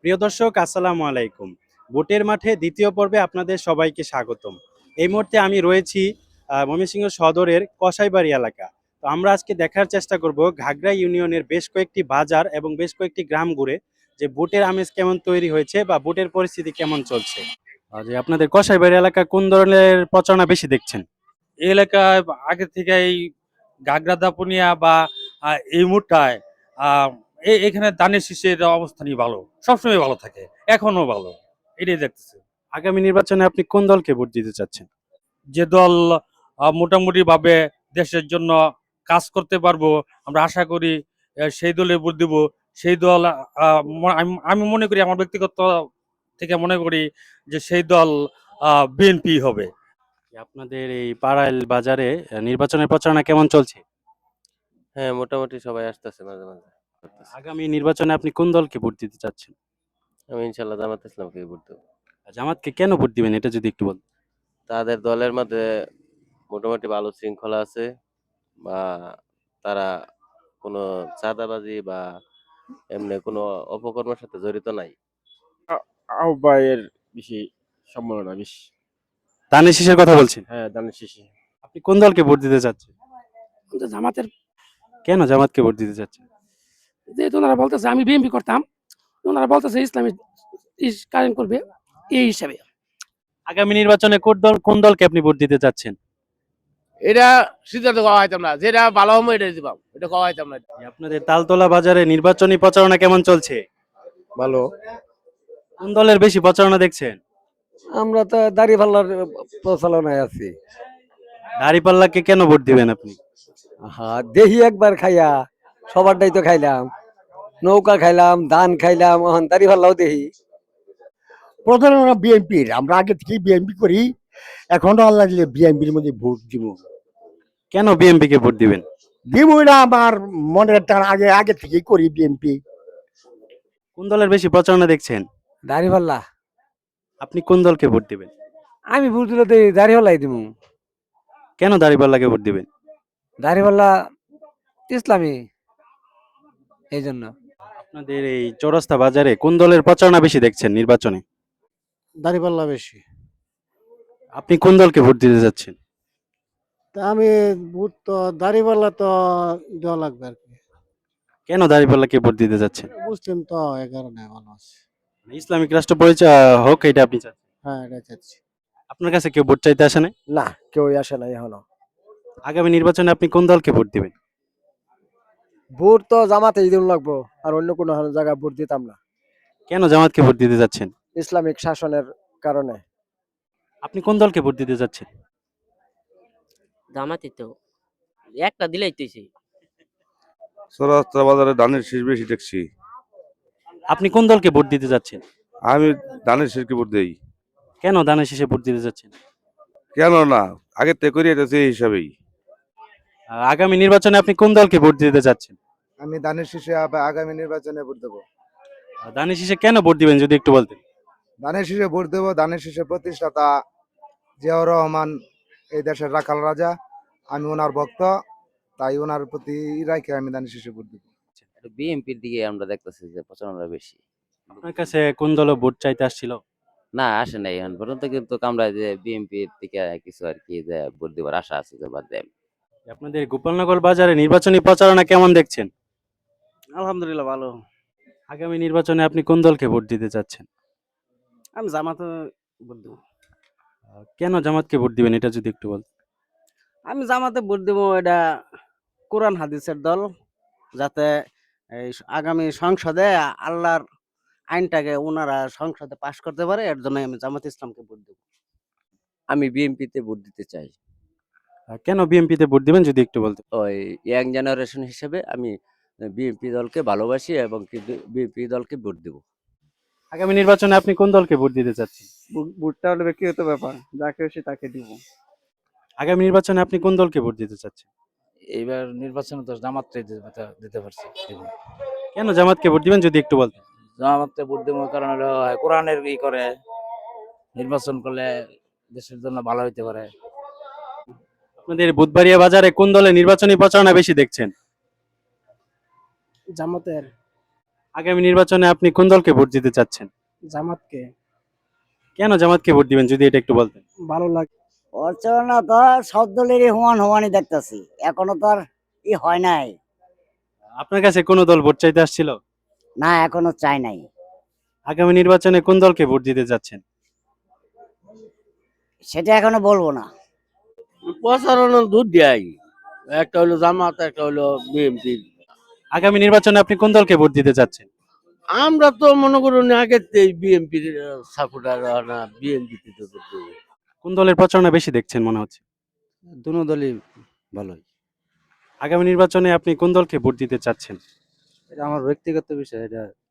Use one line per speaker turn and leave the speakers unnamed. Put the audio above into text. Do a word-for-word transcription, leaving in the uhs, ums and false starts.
প্রিয় দর্শক, আসসালামু আলাইকুম। ভোটের মাঠে দ্বিতীয় পর্বে আপনাদের সবাইকে স্বাগতম। এই মুহূর্তে আমি রয়েছি আহ, ময়মনসিংহ সদরের কসাইবাড়ি এলাকা। তো আমরা আজকে দেখার চেষ্টা করব ঘাগড়া ইউনিয়নের বেশ কয়েকটি বাজার এবং বেশ কয়েকটি গ্রাম ঘুরে যে ভোটের আমেজ কেমন তৈরি হয়েছে বা ভোটের পরিস্থিতি কেমন চলছে। আর যে আপনাদের কসাইবাড়ি এলাকা কোন ধরনের প্রচারণা বেশি দেখছেন?
এই এলাকায় আগে থেকেই ঘাগড়া দাপুনিয়া বা আহ, এই মুহূর্তায় আহ, এ- এখানে ধানের শীষের অবস্থানই ভালো, সবসময় ভালো থাকে, এখনো ভালো। এটাই দেখতেছে।
আগামী নির্বাচনে আপনি কোন দলকে ভোট দিতে চাচ্ছেন?
যে দল আহ, মোটামুটি ভাবে দেশের জন্য কাজ করতে পারবো, আমরা আশা করি আহ, সেই দলে ভোট দিব। সেই দল আহ, ম- আমি আমি মনে করি, আমার ব্যক্তিগত থেকে মনে করি যে সেই দল বিএনপি হবে।
আপনাদের এই পাড়াইল বাজারে আহ, নির্বাচনের প্রচারণা কেমন চলছে?
হ্যাঁ, মোটামুটি সবাই আসতেছে মাঝে, মাঝে করতেছে।
আগামী নির্বাচনে আপনি কোন দলকে ভোট দিতে চাচ্ছেন?
আমি ইনশাআল্লাহ জামাত ইসলামকেই ভোট দেব।
জামাতকে কেন ভোট দিবেন এটা যদি একটু বলেন।
তাদের দলের মধ্যে মোটামুটি ভালো শৃঙ্খলা আছে, বা তারা কোনো চাঁদাবাজি বা এমনি কোনো অপকর্মের সাথে জড়িত নাই।
আহ্বায়ের বেশি সম্ভাবনা বেশি।
ধানের শীষের কথা বলছেন?
হ্যাঁ, ধানের শীষে।
আপনি কোন দলকে ভোট দিতে চাচ্ছেন?
কিন্তু জামাতের,
কেন জামাতকে ভোট দিতে চাচ্ছেন?
যেহেতু ওনারা বলতেছে আমি বিএনপি করতাম, ওনারা বলতেছে ইসলামী ইস কায়েম করবে, এই হিসাবে।
আগামী নির্বাচনে কোন দল কোন দলকে আপনি ভোট দিতে চাচ্ছেন?
এটা সিদ্ধান্ত করা হইতাম না, যেটা ভালো হবে এটা দিবাম, এটা করা হইতাম না।
আপনাদের তালতলা বাজারে নির্বাচনী প্রচারণা কেমন চলছে?
ভালো।
কোন দলের বেশি প্রচারণা দেখছেন?
আমরা তো দাঁড়িপাল্লার প্রচলনায় আছি।
দাঁড়িপাল্লাকে কেন ভোট দিবেন আপনি?
হ্যাঁ, দেহি একবার খাইয়া সবারটাই তো খাইলাম, নৌকা খাইলাম, ধান খাইলাম, এখন দাঁড়িপাল্লাও দেহি।
প্রধানত বিএনপির, আমরা আগে থেকেই বিএনপি করি, এখনো আল্লাহ দিলে বিএনপির মধ্যে ভোট দিব।
কেন বিএনপি কে ভোট দিবেন?
দিব, এটা আমার মনের টান, আগে আগে থেকেই করি বিএনপি।
কোন দলের বেশি প্রচারণা দেখছেন?
দাঁড়িপাল্লা।
আপনি কোন দলকে ভোট দিবেন?
আমি ভোট দিলে তো দাঁড়িপাল্লাই দিব।
কেন দাঁড়িপাল্লাকে ভোট দিবেন?
দাঁড়িপাল্লা ইসলামী, এই জন্য।
আপনাদের এই চৌরাস্তা বাজারে কোন দলের প্রচারণা বেশি দেখছেন নির্বাচনে?
দাঁড়িপাল্লা বেশি।
আপনি কোন দলকে ভোট দিতে যাচ্ছেন?
তা আমি ভোট তো দাঁড়িপাল্লা তো দেওয়া লাগবে আর কি।
কেন দাঁড়িপাল্লাকে ভোট দিতে যাচ্ছেন?
মুসলিম তো এ কারণে ভালো আছে।
ইসলামিক রাষ্ট্র পরিচয় হোক এটা আপনি চাচ্ছেন?
হ্যাঁ, এটা চাচ্ছি।
আপনার কাছে কেউ ভোট চাইতে আসে না?
না, কেউ আসে নাই এখনো।
আগামী নির্বাচনে আপনি কোন দলকে ভোট দিবেন?
ভোট তো জামাতেই দিন লাগবো, আর অন্য কোনো জায়গায় ভোট দিতাম না,
কেন জামাতকে ভোট দিতে যাচ্ছেন?
ইসলামিক শাসনের কারণে।
আপনি কোন দলকে ভোট দিতে যাচ্ছেন?
জামাতি তো একটা দিলেই তুইছি।
চৌরাস্তা বাজারে ধানের শীষ বেশি দেখছি।
আপনি কোন দলকে ভোট দিতে যাচ্ছেন?
আমি ধানের শীষকে ভোট দেই।
কেন ধানের শীষে ভোট দিতে যাচ্ছেন?
কেন না, আগের থেকে করিয়ে যাচ্ছে এই হিসাবেই।
আহ, আগামী নির্বাচনে আপনি কোন দলকে ভোট দিতে যাচ্ছেন?
আমি ধানের শীষে আগামী নির্বাচনে ভোট দেবো।
আহ, ধানের শীষে কেন ভোট দিবেন যদি একটু বলতেন?
ধানের শীষে ভোট দেবো, ধানের শীষে প্রতিষ্ঠাতা জিয়াউর রহমান এই দেশের রাখাল রাজা, আমি ওনার ভক্ত, তাই ওনার প্রতি রাখে আমি ধানের শীষে ভোট দেবো।
বিএনপির দিকে আমরা দেখতেছি যে প্রচারণা বেশি।
আপনার কাছে কোন দল ভোট চাইতে আসছিল?
না, আসে নাই এখন পর্যন্ত, কিন্তু আমরা যে বিএনপির দিকে কিছু আর কি যে ভোট দেওয়ার আশা আছে যে বাদ দেন।
আপনাদের গোপালনগর বাজারে নির্বাচনী প্রচারণা কেমন দেখছেন?
আলহামদুলিল্লাহ ভালো।
আগামী নির্বাচনে আপনি কোন দলকে ভোট দিতে চাচ্ছেন?
আমি জামাতে ভোট দেব।
আহ, কেন জামাতকে ভোট দিবেন এটা যদি একটু বলতেন?
আমি জামাতে ভোট দেব, এটা কোরআন হাদিসের দল, যাতে এই আগামী সংসদে আল্লাহর আইনটাকে ওনারা সংসদে পাশ করতে পারে, এর জন্য আমি জামাত ইসলামকে ভোট দেব।
আমি বিএনপিতে ভোট দিতে চাই।
আহ, কেন বিএনপিতে ভোট দিবেন যদি একটু বলতেন?
ওই ইয়াং জেনারেশন হিসেবে আমি বিএনপি দলকে ভালোবাসি এবং বিএনপি দলকে ভোট দেব।
আগামী নির্বাচনে আপনি কোন দলকে ভোট দিতে চাচ্ছেন?
ভোটটা হলো ব্যক্তিগত ব্যাপার, যাকে খুশি তাকে দিব।
আগামী নির্বাচনে আপনি কোন দলকে ভোট দিতে চাচ্ছেন?
এইবার নির্বাচনে তো জামাতটাই দিতে পারছি।
কেন জামাতকে ভোট দিবেন যদি একটু বলতেন?
জামাতে ভোট দেবো কারণ হলো কোরআনের ই করে, নির্বাচন করলে দেশের জন্য ভালো হইতে পারে।
আপনাদের বুধবাড়িয়া বাজারে কোন দলের নির্বাচনী প্রচারণা বেশি দেখছেন?
জামাতের।
আগামী নির্বাচনে আপনি কোন দলকে ভোট দিতে চাচ্ছেন?
জামাতকে
কেন জামাতকে ভোট দিবেন যদি এটা একটু বলতেন?
ভালো লাগে।
অর্চনা তো সব দলেরই সমান সমানই দেখতেছি, এখনো তো আর ই হয় নাই।
আপনার কাছে কোন দল ভোট চাইতে আসছিল?
না, এখনো চাই নাই।
আগামী নির্বাচনে কোন দলকে ভোট দিতে যাচ্ছেন?
সেটা এখনো বলবো না।
প্রচারণা দুধ দেয়, একটা হলো জামাত, একটা হলো বিএনপি।
আগামী নির্বাচনে আপনি কোন দলকে ভোট দিতে চাচ্ছেন?
আমরা তো মনে করুন আগে বিএনপির সাপোর্টার না, বিএনপি
কোন দলের প্রচারণা বেশি দেখছেন মনে হচ্ছে?
দুনো দলই ভালোই।
আগামী নির্বাচনে আপনি কোন দলকে ভোট দিতে চাচ্ছেন?
এটা আমার ব্যক্তিগত বিষয়, এটা